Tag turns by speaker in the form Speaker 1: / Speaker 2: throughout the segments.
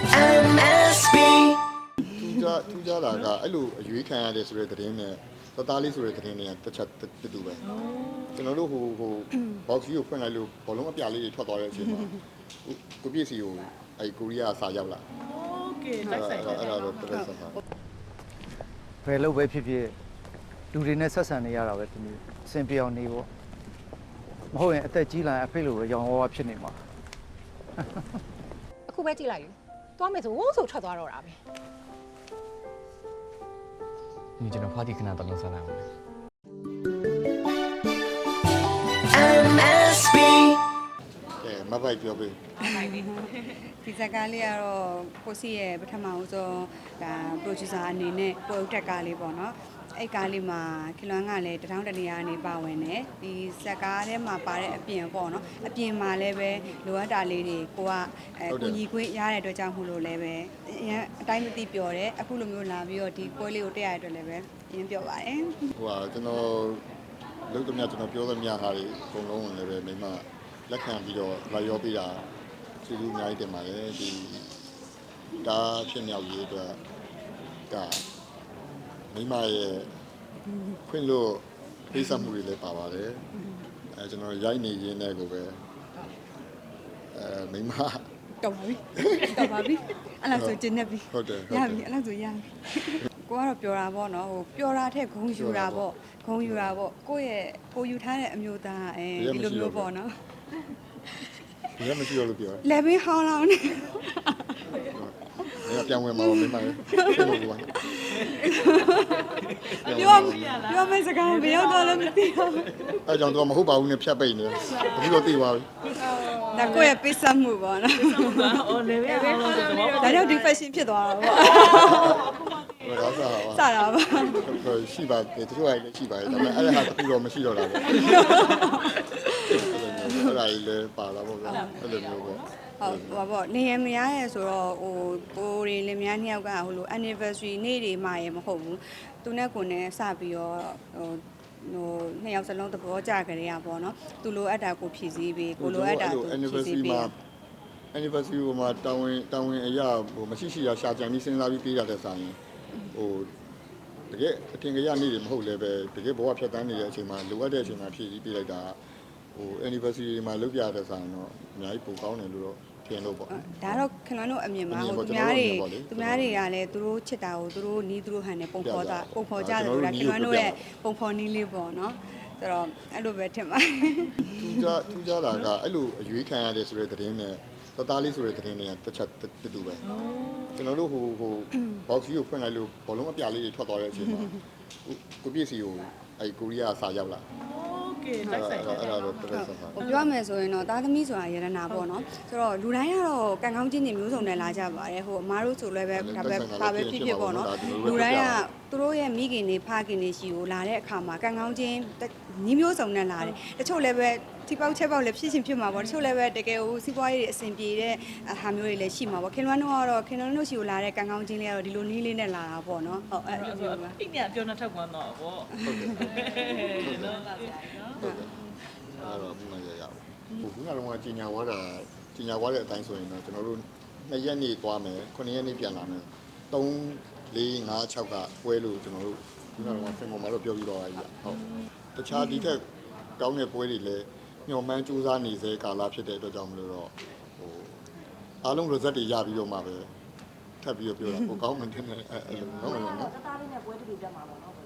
Speaker 1: MSB
Speaker 2: ထူးခြားတာကအဲ့လိုအရွေးခံရတယ်ဆိုတဲ့သတင်းနဲ့သသားလေးဆိုတဲ့သတင်းတွေကတစ်ချက်တူပဲကျွန်တော်တို့ဟို box ကြီးကိုဖွင့်လိုက်လို့ဘောလုံးအပြာလေးတွေထွက်သွားတဲ့အချိန်မှာကိုပြည့်စီကိုအဲ့ကိုရီးယားစာရောက်လာ
Speaker 3: โอเคတိုက်ဆိုင်တယ်
Speaker 2: အဲ့ဒါတော့တော်တော်ဆန်းဆန်း
Speaker 4: ဘယ်လို့ပဲဖြစ်ဖြစ်လူတွေနဲ့ဆက်ဆံနေရတာပဲဒီနေ့အဆင်ပြေအောင်နေပေါ့မဟုတ်ရင်အသက်ကြီးလာရင်အဖေလိုပဲရောင်ဝါးဝါဖြစ်နေမှာ
Speaker 5: အခုပဲကြည့်လိုက်ယူသွားမယ်ဆိုဝုန်းဆိုထွက်သွားတော့တာပဲ
Speaker 6: 你这种话题可能都能上来了。
Speaker 1: MSB
Speaker 2: ကဲမပိုက်ပြောပေး
Speaker 7: ဒီဇာတ်ကားလေးကတော့ကိုစီရဲ့ပထမဦးဆုံးဒါ producer အနေနဲ့ပေါ်တက်ကားလေးပေါ့နော်အဲ့ကားလေးမှာခင်လွမ်းကလည်းတထောင်တနေရာနေပါဝင်တယ်ဒီဇာတ်ကားထဲမှာပါတဲ့အပြင်ပေါ့နော်အပြင်မှာလည်းပဲလိုအပ်တာလေးတွေကိုကိုညီခွင့်ရတဲ့အတွက်ကြောင့်မို့လို့လည်းပဲအတိုင်းမသိပြောတယ်အခုလိုမျိုးလာပြီးတော့ဒီပွဲလေးကိုတက်ရတဲ့အတွက်လည်းပဲရင်းပြောပါတယ်
Speaker 2: ဟိုဟာကျွန်တော်လုပ်သမျှကျွန်တော်ပြောသမျှဟာတွေအကုန်လုံးလည်းပဲမိမလက်ခံပြီးတော့လာရောပေးတာကျေးဇူးအများကြီးတင်ပါတယ်ဒီဒါဖြစ်မြောက်ရေးအတွက်ကမိမရဲ့ခွင့်လို့ဖိစမှုတွေလည်းပါပါတယ်ကျွန်တော်ရိုက်နေရင်းနဲ့ကိုပဲမိမ
Speaker 7: တော်ပါပြီတော်ပါပြီအဲ့လောက်ဆိုကျင်းနေပြီ
Speaker 2: ဟုတ်တယ်
Speaker 7: ရပြီအဲ့လောက်ဆိုရပြီကိုကတော့ပြောတာပေါ့နော်ဟိုပြောတာထက်ဂုံယူတာပေါ့ဂုံယူတာပေါ့ကိုယ့်ရဲ့ကိုယူထားတဲ့အမျိုးသားဒီလိုမျိုးပေါ့နော်
Speaker 2: ဘယ်မှမရှိရလို့ပြောတယ်
Speaker 7: လေဘင်းဟောင်းလောင်းနေ
Speaker 2: ။ပြန်ဝင်မှာမိမလေး။ပြန်ဝင်ပါ
Speaker 7: ပြောမယ်စကားဘယ်ရောက်တော့လဲမသိဘူး
Speaker 2: ။အဲကြောင့်တော့မဟုတ်ပါဘူးနဲ့ဖြတ်ပိတ်နေတယ်။အခုတော့သိသွားပြီ
Speaker 7: ဒါကိုယ့်ရဲ့ပိတ်ဆက်မှုပေါ့နော်
Speaker 3: အော်လေပဲဟောလို့ဆိုတော့
Speaker 7: ဒါကြောင့်ဒီ fashion ဖြစ်သွားတာပေါ့
Speaker 2: ။ဘယ်တော့စားပါ
Speaker 7: စတာပါ
Speaker 2: ။ရှိပါတယ်တချို့ကလည်းရှိပါတယ်ဒါပေမဲ့အဲ့ဒါတခုတော့မရှိတော့တာပဲ။အဲ့ဒါကြီးလည်းပါလာပေါ့ဗျာ။အဲ့လိုမျိုးပေါ့
Speaker 7: ဟုတ်ပါပေါ့နေရမရရဲဆိုတော့ဟိုကိုရီလင်မယားနှစ်ယောက်ကဟိုလို anniversary နေ့တွေမှရမဟုတ်ဘူးသူနဲ့ကိုနဲ့စပြီးတော့ဟိုနှစ်ယောက်စလုံးသဘောကျကြရပေါ့နော်သူလိုအပ်တာကိုဖြည့်ဆည်းပြီးကိုလိုအပ်တာသူဖြည့်ဆည်းပြီး
Speaker 2: anniversary မှာတာဝန်အရာဟိုမရှိရှိရရှာကြံပြီးစဉ်းစားပြီးပေးရတဲ့ဆိုင်ဟိုတကယ်အထင်ကြီးနေ့တွေမဟုတ်လည်းပဲတကယ်ဘဝဖြတ်တန်းနေတဲ့အချိန်မှာလိုအပ်တဲ့အချိန်မှာဖြည့်ပြီးပေးလိုက်တာဟို anniversary မှာလုပ်ပြတဲ့ဆိုင်တော့အများကြီးပိုကောင်းတယ်လို့တော့ထင်လို့ပေါ့
Speaker 7: ဒါတော့ခင်ဗျားတို့အမြင်မှာဟိုသူများတွေကလည်းသူတို့ချစ်တာကိုသူတို့နီးသူတို့ဟန်နဲ့ပုံဖော်ကြတယ်ဆိုတာခင်ဗျားတို့ရဲ့ပုံဖော်နီးလေးပေါ့နော်ဆိုတော့အဲ့လိုပဲထင်ပါတယ်
Speaker 2: ထူးခြားတာကအဲ့လိုအရွေးခံရတယ်ဆိုတဲ့သတင်းနဲ့သသားလေးဆိုတဲ့သတင်းတွေကတစ်ချက်တူပဲကျွန်တော်တို့ဟို box ကြီးကိုဖွင့်လိုက်လို့ဘောလုံးအပြာလေးတွေထွက်သွားတဲ့အချိန်မှာကိုပြည့်စီကိုအဲ့ကိုရီးယားစာရောက်လာ
Speaker 3: โอเคတိုက်ဆိုင်တယ်
Speaker 2: အဲ့ဒါတော့တော်တော်ဆန်းဆန်း
Speaker 7: ဟိုပြောမယ်ဆိုရင်တော့သားသမီးဆိုတာရတနာပေါ့နော်ဆိုတော့လူတိုင်းကတော့ကံကောင်းခြင်းတွေမျိုးစုံနဲ့လာကြပါတယ်ဟိုအမားတို့ဆိုလည်းပဲဒါပဲဖြစ်ဖြစ်ပေါ့နော်လူတိုင်းကသူတို့ရဲ့မိခင်တွေဖခင်တွေရှိကိုလာတဲ့အခါမှာကံကောင်းခြင်းညီမျိုးစုံနဲ့လာတယ်တချို့လည်းပဲထိပေါက်ချက်ပေါက်လည်းဖြစ်ရှင်ဖြစ်မှာပေါ့တချို့လည်းပဲတကယ်ဟိုစီးပွားရေးအဆင်ပြေတဲ့ဟာမျိုးတွေလည်းရှိမှာပေါ့ခင်ဗျားတို့ကတော့ခင်ဗျားတို့ရှိကိုလာတဲ့ကံကောင်းခြင်းလေးကတော့ဒီလိုနည်းလေးနဲ့လာတာပေါ့နော်ဟုတ်အဲ့လိုမျိုးပါ
Speaker 3: အိမ်ကပြောနေထောက်ကွန်းတော့ဗော
Speaker 2: အဲ့တော့ဘူးမရရဘူးခုနကတော့ကြီးညာဝါတဲ့အတိုင်းဆိုရင်တော့ကျွန်တော်တို့2ရက်နေသွားမယ်9ရက်နေပြန်လာမယ်3 4 5 6ကပွဲလို့ကျွန်တော်တို့ခုနကတော့ဖင်ပေါ်မှာတော့ပြောပြီးတော့အားကြီးဟုတ်တခြားဒီထက်ကောင်းတဲ့ပွဲတွေလည်းညှော်မှန်းစူးစမ်းနေစေကာလဖြစ်တဲ့အတွက်ကြောင့်မလို့တော့ဟိုအားလုံး result တွေရပြီးတော့မှပဲထပ်ပြီးတော့ပြောတာဟိုကောင်းမှန်းတင်တယ်အဲ့လိုဟုတ်လားနော်သားလေးနဲ့ပွဲတူတက်မှာပေါ့နော်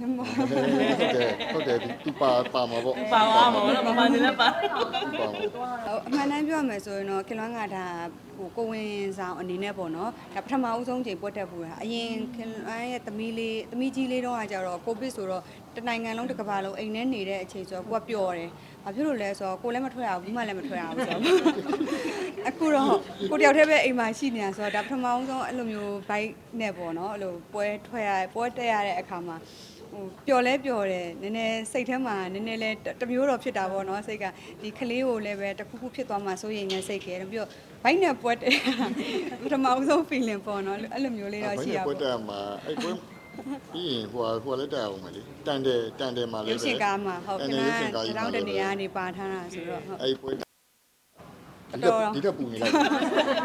Speaker 2: ဟုတ်တယ်သူပါမှာပေါ့
Speaker 3: ပါသွားမှာတော့မမနေလည်းပါ
Speaker 7: အမှန်တမ်းပြောရမယ်ဆိုရင်တော့ခင်လွမ်းကဒါဟိုကိုဝင်ဆောင်အနေနဲ့ပေါ့နော်ဒါပထမဦးဆုံးချိန်ပွက်တက်ပူတာအရင်ခင်လွမ်းရဲ့သမီးကြီးလေးတော့ကကြတော့ကိုဗစ်ဆိုတော့တနိုင်ငံလုံးတစ်ကမ္ဘာလုံးအိမ်ထဲနေတဲ့အချိန်ဆိုတော့ကိုကပျော်တယ်ဘာဖြစ်လို့လဲဆိုတော့ကိုလည်းမထွက်ရဘူးဘူးမှလည်းမထွက်ရဘူးဆိုတော့အခုတော့ကိုတယောက်တည်းပဲအိမ်မှာရှိနေတာဆိုတော့ဒါပထမဦးဆုံးအဲ့လိုမျိုးဘိုက်နဲ့ပေါ့နော်အဲ့လိုပွဲတက်ရတဲ့အခါမှာဟိုပျော်တယ်နည်းနည်းစိတ်ထဲမှာနည်းနည်းလဲတမျိုးတော့ဖြစ်တာပေါ့နော်စိတ်ကဒီကလေးကိုလည်းပဲတခုခုဖြစ်သွားမှစိုးရိမ်နေစိတ်ကဲပြီးတော့ဘိုက်နဲ့ပွက်တယ်ပထမဦးဆုံး feeling ပေါ့နော်အဲ့လိုမျိုးလေးတော့ရှိရပါ
Speaker 2: ပွဲတက်မှာအဲ့ပွဲပြီးရင်ဟိုလည်းတက်အောင်မလေးတန်တယ်မှာလည်း
Speaker 7: ရုပ်ရှင်ကားမှာဟုတ်ကဲ့တောင်းတနေရာနေပါထားတာဆိုတော့ဟုတ်
Speaker 2: အဲ့ပွဲဒီတက်ပူနေလိုက်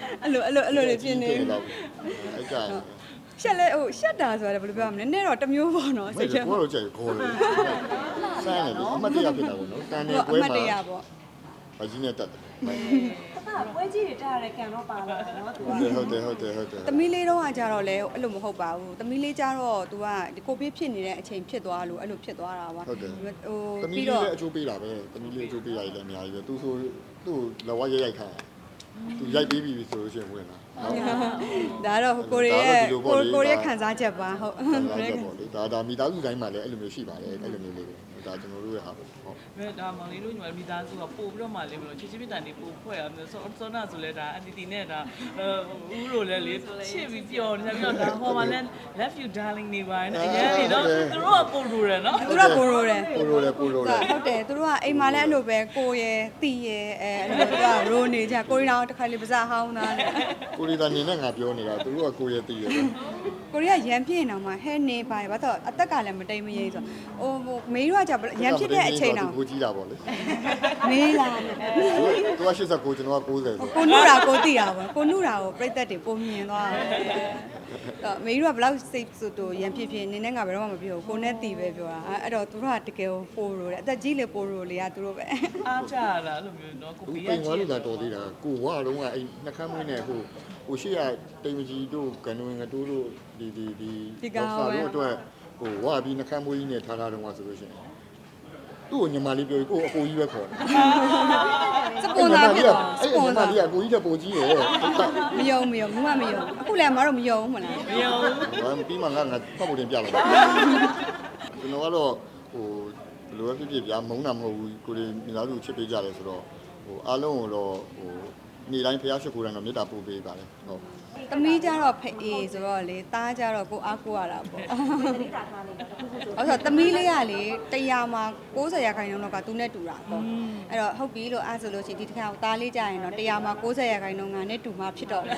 Speaker 7: အဲ့လိုလေးဖြစ်နေ
Speaker 2: အဲ့ကြိုင်
Speaker 7: ရှက်လဲဟိုရှက်တာဆိုတာဘယ်လိုပြောရမလဲနည်းတော့တစ်မျိုးပေါ့နော်
Speaker 2: စိတ်ကိုတော့ကြိုက်ခေါ်တယ်စမ်းတယ်အမတ်တရားဖြစ်တာပေါ့နော်တန်နေ
Speaker 7: အ
Speaker 2: ပွဲ
Speaker 7: မှတ်တ
Speaker 2: မှာ
Speaker 7: ရပေါ့
Speaker 2: ဘာကြီးနဲ့တက်တယ်
Speaker 1: ပွဲကြီးတွေတက်ရတဲ့ကံတော့ပါလာတယ်နော်သူက
Speaker 2: ဟုတ်တယ်
Speaker 7: သမီးလေးတော့ကကြတော့လဲအဲ့လိုမဟုတ်ပါဘူးသမီးလေးကြတော့ तू ကဒီကိုဗစ်ဖြစ်နေတဲ့အချိန်ဖြစ်သွားလို့အဲ့လိုဖြစ်သွားတာပါ
Speaker 2: ဟုတ်တယ်
Speaker 7: ဟို
Speaker 2: သမီး
Speaker 7: ပြီး
Speaker 2: လေး
Speaker 7: တော့
Speaker 2: လည်းအကျိုးပေးတာပဲသမီးလေးအကျိုးပေးရတယ်လည်းအများကြီးပဲသူဆိုသူ့လက်ဝါးရိုက်ခိုင်းသူရိုက်ပေးပြီဆိုလို့ရှိရင်ဝင်လာ
Speaker 7: ဒါတော့ကိုရီးယားကိုရီးယားခံစားချက်ပါဟုတ်
Speaker 2: ဒါမိသားစုတိုင်းမှာလည်းအဲ့လိုမျိုးရှိပါတယ်အဲ့လိုမျိုးလေးဒါကျွန်တော်တို့ရဲ့ဟာပေါ့ဟုတ်
Speaker 3: မဲဒါမောင်လေးတို့ညီမမိသားစုကပို့ပြီးတော့မှလေးဘလို့ချစ်ချင်းမြတ်တန်နေပို့ဖွဲ့ရမယ်စောနာဆိုလဲဒါအန်တီတီနဲ့ဒါဦးလိုလဲလေချစ်ပြီးပျော်နေပြီးတော့ဒါဟောမှာလဲ love you darling နေပါနဲ့အရင်နေတော့သူတို့ကပို့လို့ရနော်
Speaker 7: သူတို့ကိုရိုးတယ်
Speaker 2: ကိုရိုးတယ်
Speaker 7: ဟုတ်တယ်သူတို့ကအိမ်မှာလည်းအဲ့လိုပဲကိုရယ်တီရယ်အဲ့လိုသူကရိုးနေကြကိုရီးယားတစ်ခါလေးပါးစဟောင်းသားနဲ့
Speaker 2: ကိုရီးယားနေနဲ့ငါပြောနေတာသူတို့ကကိုရတည်တယ်
Speaker 7: ကိုရီးယားရန်ပြင်းနေမှာဟဲနေပါဘာတော့အသက်ကလည်းမတိမ်မရိဆိုဟိုမေးတော့ကြရန်ဖြစ်တဲ့အချိန်တော့
Speaker 2: ကိုကြီးတာပေါ့လေ
Speaker 7: မေးလာ
Speaker 2: သူက89ကျွန်တော်က90ဆို
Speaker 7: ကိုနုရာကိုတီတာပေါ့ကိုနုရာကိုပြိသက်တွေပုံမြင်သွားတယ်မေးတော့ဘယ်လောက်စိတ်ဆိုတော့ရန်ဖြစ်နေနဲ့ငါဘယ်တော့မှမပြောကိုနဲ့တီပဲပြောတာအဲ့တော့သူတို့ကတကယ်ပိုရိုတယ်အသက်ကြီးလေပိုရိုလေကသူတို့ပဲ
Speaker 3: အားကြရတာလို့မျိုးနော်ကို
Speaker 2: သူ
Speaker 3: ပြီးရ
Speaker 2: ပိန်
Speaker 3: ချ
Speaker 2: သွား
Speaker 3: စ်
Speaker 2: လို့သာတော်သေးတာကိုဝါတော့ကအဲ့နှခမ်းမွေးနဲ့ဟိုရှိရတိမ်မကြီးတို့ကန်ဝင်ငတိုးတို့ဒီစာတို့အတွက်ဟိုဝါပြီးနှခမ်းမွေးကြီးနဲ့ထားထားတော့ဆိုလို့ရှိရင်သူ့ကိုညီမလေးပြောကိုအကိုကြီးပဲခေါ်တယ်
Speaker 7: စပွန်ဆာဖြစ်သွားစ
Speaker 2: အဲ့
Speaker 7: ပွ
Speaker 2: ညီ
Speaker 7: န်
Speaker 2: မ
Speaker 7: ဆာ
Speaker 2: လေးကကိုကြီးတဲ့ပုံကြီးရယ်
Speaker 7: မယုံအခုလည်းမတော့မယုံမလား
Speaker 3: မယုံ
Speaker 2: ဘာပြီးမှငါဖတ်ဖို့တင်ပြလိုက်ကျွန်တော်ကတော့ဟိုဘယ်လိုပဲဖြစ်ဖြစ်ဗျာမုန်းတာမဟုတ်ဘူးကိုရီမိသားစုချစ်ပေးကြတယ်ဆိုတော့ဟိုအားလုံးကိုတော့ဟိုနေ့တိုင်းဖျားရှိခိုးတိုင်းတော့မေတ္တာပို့ပေးပါတယ်ဟုတ်
Speaker 7: သမီးကြတော့ဖေးဆိုတော့လေသားကြတော့ကိုအားကိုရတာပေါ့အဲ့တော့သမီးလေးကလေ100မှာ90ရာခိုင်နှုန်းလောက်ကသူနဲ့တူတာပေါ့အဲ့တော့ဟုတ်ပြီလို့အားဆိုလို့ရှိရင်ဒီတစ်ခါသားလေးကြရင်တော့100မှာ90ရာခိုင်နှုန်းကနဲ့တူမှဖြစ်တော့တယ်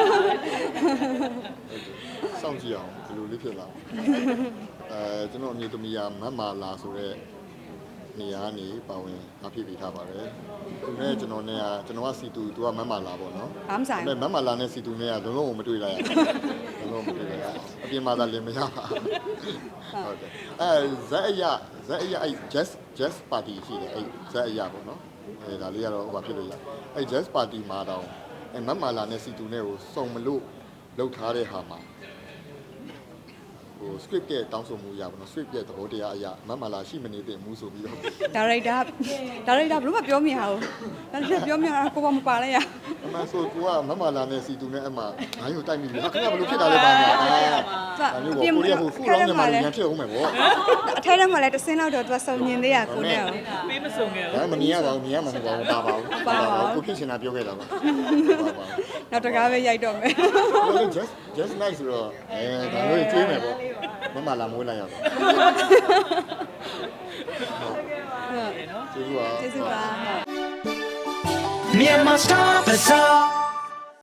Speaker 2: စောင့်ကြည့်အောင်ဘယ်လိုလေးဖြစ်လာကျွန်တော်အမျိုးသမီးကမတ်မာလာဆိုတဲ့နေရာနေပါဝင်အဖြစ်ပေးထားပါတယ်သူနဲ့ကျွန်တော်နဲ့ကကျွန်တော်ကစီတူသူကမတ်မာလာပေါ့နော်
Speaker 7: ဘာမှဆိုင်
Speaker 2: မတ်မာလာနဲ့စီတူနဲ့ကလုံးဝမတွေ့လိုက်ရဘူးလုံးဝမတွေ့လိုက်ရအပြင်မှာသာလင်မရပါဟုတ်တယ်ဇက်အရာအဲ့ jazz party ရှိတယ်အဲ့ဇက်အရာပေါ့နော်အဲ့ဒါလေးကတော့ဟိုဘာဖြစ်လို့ရအဲ့ jazz party မှာတော့အဲ့မတ်မာလာနဲ့စီတူနဲ့ကိုစုံမလို့လောက်ထားတဲ့ဟာမှာဟို script ရဲ့တောင်းဆိုမှုရပါတော့ script ရဲ့သဘောတရားအရမတ်မာလာရှိမနေတဲ့မူဆိုပြီးတော့
Speaker 7: ဒါရိုက်တာဘယ်လိုမှပြောမရဘူးဒါရိုက်ပြောမရကိုဘာမပါလဲရ
Speaker 2: အမှန်ဆိုကိုကမတ်မာလာနဲ့စီတူနဲ့အမှငါ့ကိုတိုက်မိပြီဟာခင်ဗျာဘယ်လိုဖြစ်တာလဲပါညာဒါမျိုးပေါ့ကိုရီးယားဟိုဖူလောင်းနေမှာလည်းဖြစ်အောင်မယ်ပေါ့
Speaker 7: အထဲထဲမှာလည်းတစ်စင်းလောက်တော့သူကစုံညင်သေးရကိုနဲ့
Speaker 3: ပေးမစုံခဲ့
Speaker 2: ဒါမမြင်ရပါဘူးမြင်ရမှာမဟုတ်ပါဘူးပါပါဘူးကိုဖြစ်ချင်တာပြောခဲ့တာပါပါ
Speaker 7: နောက်တကားပဲရိုက်တော့မယ်
Speaker 2: just nice ဆိုတော့ဒါမျိုးကျွေးမယ်ပေါ့မမလာမွေးလိုက်ရအောင်ကျေးဇူးပါ
Speaker 7: ကျေးဇူးပါ
Speaker 8: Myanmar Star Bazaar